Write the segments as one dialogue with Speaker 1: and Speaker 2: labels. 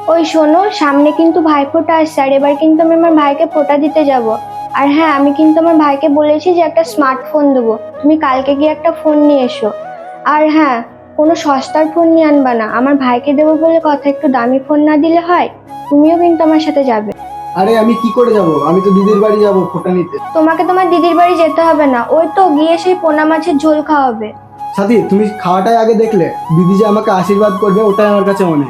Speaker 1: ওই শোনো, সামনে কিন্তু ভাইফোঁটা আসছে, আর এবার কিন্তু আমি আমার ভাইকে ফোঁটা দিতে যাব। আর হ্যাঁ, আমি কিন্তু আমার ভাইকে বলেছি যে একটা স্মার্টফোন দেবো, তুমি কালকে গিয়ে একটা ফোন নিয়ে এসো। আর হ্যাঁ, কোনো সস্তার ফোন নিয়ে আনবা না, আমার ভাইকে দেবো বলে কথা, একটু দামি ফোন না দিলে হয়? তুমিও কিন্তু আমার সাথে যাবে।
Speaker 2: আরে আমি কি করে যাব? আমি তো দিদির বাড়ি যাব ফোঁটা নিতে।
Speaker 1: তোমাকে তোমার দিদির বাড়ি যেতে হবে না, ওই তো গিয়ে সেই পোনা মাছের ঝোল খাওয়াবে।
Speaker 2: সাথী, তুমি খাওয়াটাই আগে দেখলে, দিদি যে আমাকে আশীর্বাদ করবে ওটাই আমার কাছে মনে।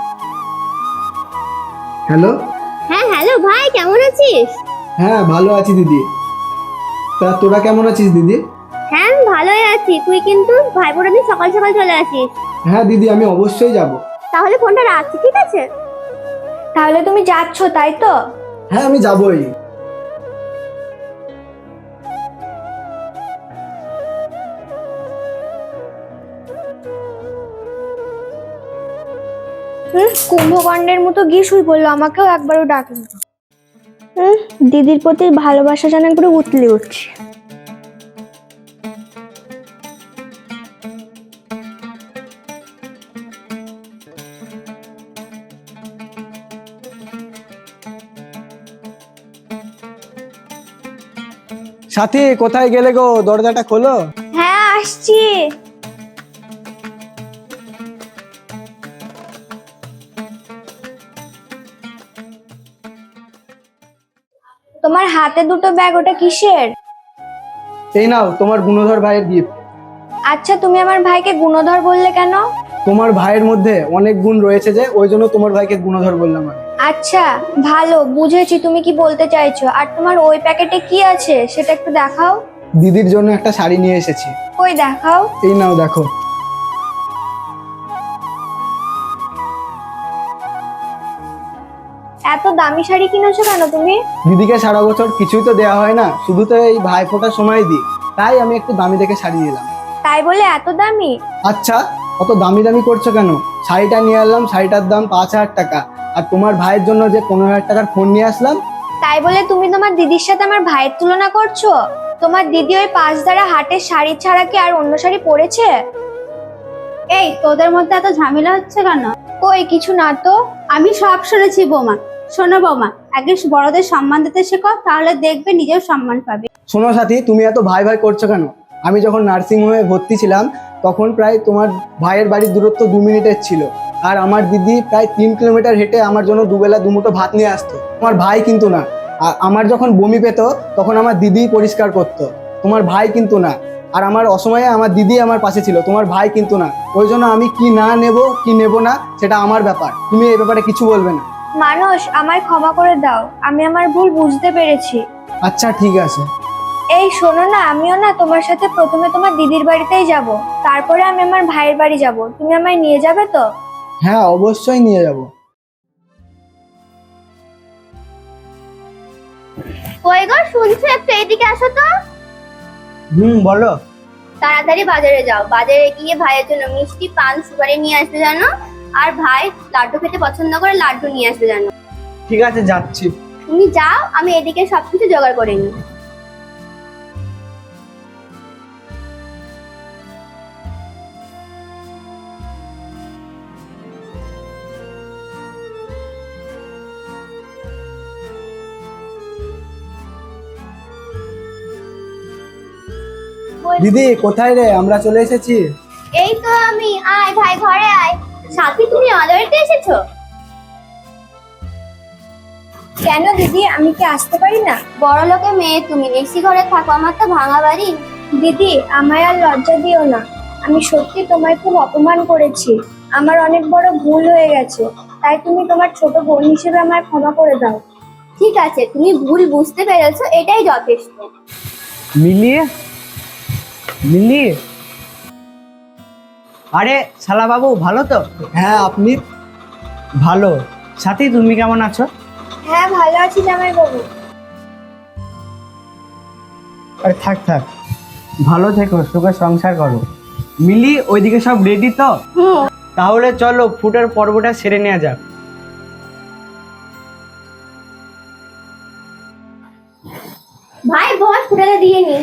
Speaker 2: হ্যালো।
Speaker 3: হ্যাঁ, হ্যালো ভাই, কেমন আছিস?
Speaker 2: হ্যাঁ, ভালো আছি দিদি। তা তোরা কেমন আছিস দিদি?
Speaker 3: হ্যাঁ, আমি ভালোই আছি। তুই কিন্তু ভাইফোঁটার দিন সকাল সকাল চলে আসিস।
Speaker 2: হ্যাঁ দিদি, আমি অবশ্যই যাব।
Speaker 3: তাহলে ফোনটা রাখছি, ঠিক আছে?
Speaker 1: তাহলে তুমি যাচ্ছ, তাই তো?
Speaker 2: হ্যাঁ, আমি যাবই।
Speaker 1: কুম্ভকর্ণের মতো গিয়ে শুই বললো, আমাকেও একবারও ডাকলো না। দিদির প্রতি ভালোবাসা যেন করে উতলে উঠছে।
Speaker 2: সাথী, কোথায় গেলে গো? দরজাটা খোলো।
Speaker 1: হ্যাঁ, আসছি। তোমার হাতে দুটো ব্যাগ, ওটা কিসের?
Speaker 2: এই নাও তোমার গুণধর ভাইয়ের গিফট।
Speaker 1: আচ্ছা, তুমি আমার ভাইকে গুণধর বললে কেন?
Speaker 2: তোমার ভাইয়ের মধ্যে অনেক গুণ রয়েছে যে, ওই জন্য তোমার ভাইকে গুণধর বললাম আমি।
Speaker 1: আচ্ছা, ভালো, বুঝেছি তুমি কি বলতে চাইছো। আর তোমার ওই প্যাকেটে কি আছে সেটা একটু দেখাও।
Speaker 2: দিদির জন্য একটা শাড়ি নিয়ে এসেছি।
Speaker 1: কই দেখাও।
Speaker 2: এই নাও দেখো।
Speaker 1: এত দামি শাড়ি কিনেছো কেন তুমি?
Speaker 2: দিদিকে সারা বছর কিছুই তো দেওয়া হয় না, শুধু তো এই ভাই ফোঁটার সময় দিই, তাই আমি একটু দামি দেখে শাড়ি নিলাম।
Speaker 1: তাই বলে এত দামি?
Speaker 2: আচ্ছা, অত দামি দামি করছো কেন? শাড়িটা নিয়ে আসলাম, শাড়িটার দাম 5,000 টাকা। আর তোমার ভাইয়ের জন্য যে 15,000 টাকার ফোন নিয়ে আসলাম।
Speaker 1: তাই বলে তুমি তোমার দিদির সাথে আমার ভাইয়ের তুলনা করছো? তোমার দিদি ওই 5 ধারা হাটের শাড়ি ছাড়া কি আর অন্য শাড়ি পরেছে?
Speaker 3: এই, তোদের মধ্যে এত ঝামেলা হচ্ছে কেন?
Speaker 1: কই কিছু না তো।
Speaker 3: আমি সব শুনেছি বৌমা। শোনো বৌমা, আগে বড়দের সম্মান দিতে শেখো, তাহলে দেখবে নিজেও সম্মান পাবে।
Speaker 2: শোনো সাথী, তুমি এত ভাই ভাই করছো কেন? আমি যখন নার্সিং হোমে ভর্তি ছিলাম, তখন প্রায় তোমার ভাইয়ের বাড়ির দূরত্ব 2 মিনিটের ছিল। আর আমার দিদি প্রায় 3 কিলোমিটার হেঁটে আমার জন্য দুবেলা দুমুঠো ভাত নিয়ে আসতো। তোমার ভাই কিন্তু না। আর আমার যখন বমি পেতো, তখন আমার দিদি পরিষ্কার করতো, তোমার ভাই কিন্তু না। আর আমার অসময়ে আমার দিদি আমার পাশে ছিল, তোমার ভাই কিন্তু না। ওই জন্য আমি কি না নেব কি নেব না সেটা আমার ব্যাপার, তুমি এই ব্যাপারে কিছু বলবে না।
Speaker 1: মানুষ, আমায় ক্ষমা করে দাও, আমি আমার ভুল বুঝতে পেরেছি।
Speaker 2: আচ্ছা ঠিক আছে।
Speaker 1: এই শোনো না, আমিও না তোমার সাথে প্রথমে তোমার দিদির বাড়িতেই যাব, তারপরে আমি আমার ভাইয়ের বাড়ি যাব। তুমি আমায় নিয়ে যাবে তো?
Speaker 2: হ্যাঁ, অবশ্যই নিয়ে যাব।
Speaker 3: কই গো, শুনছো? একটু এদিকে আসো তো।
Speaker 2: বলো।
Speaker 3: তাড়াতাড়ি বাজারে যাও, বাজারে গিয়ে ভাইয়ের জন্য মিষ্টি, পান, সুপারি নিয়ে আসবে জানো। আর ভাই লাড্ডু খেতে পছন্দ করে, লাড্ডু নিয়ে আসবে জানো।
Speaker 2: ঠিক আছে, যাচ্ছি।
Speaker 3: তুমি যাও, আমি এদিকে সবকিছু জোগাড় করে নিই।
Speaker 2: দিদি কোথায় রে? আমরা চলে এসেছি।
Speaker 3: এই তো আমি। আয় ভাই, ঘরে আয়। সাথী, তুমি আমাদের বাড়িতে এসেছো?
Speaker 1: কেন দিদি, আমি কি আসতে পারি না?
Speaker 3: বড় লোকের মেয়ে তুমি, এসি ঘরে থাকো, আমার তো ভাঙা বাড়ি।
Speaker 1: দিদি, আমায় আর লজ্জা দিও না, আমি সত্যি তোমায় খুব অপমান করেছি। আমার অনেক বড় ভুল হয়ে গেছে, তাই তুমি তোমার ছোট বোন হিসেবে আমায় ক্ষমা করে দাও।
Speaker 3: ঠিক আছে, তুমি ভুল বুঝতে পেরেছো, এটাই যথেষ্ট।
Speaker 4: মিলি, মিলি, আরে শালা বাবু, ভালো তো?
Speaker 2: হ্যাঁ, আপনি?
Speaker 4: ভালো। সাথী, তুমি কেমন আছো?
Speaker 1: হ্যাঁ, ভালো আছি জামাই বাবু।
Speaker 4: আরে থাক থাক, ভালো থেকো, সুখে সংসার করো। মিলি, ওইদিকে সব রেডি তো? তাহলে চলো ফুটের পর্বটা সেরে নেওয়া যাক।
Speaker 3: ভাই বস, ফুটাতে দিয়ে নি।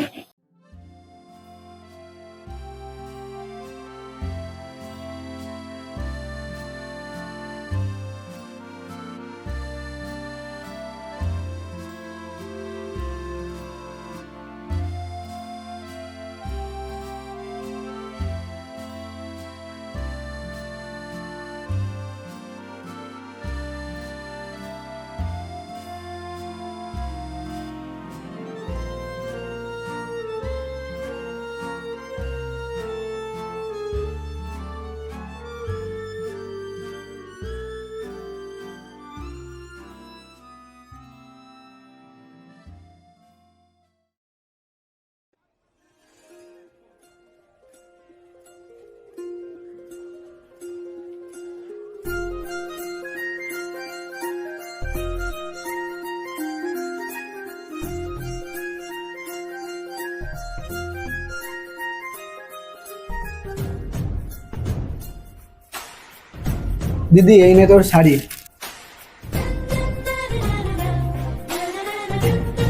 Speaker 2: দিদি এই নে তোর শাড়ি।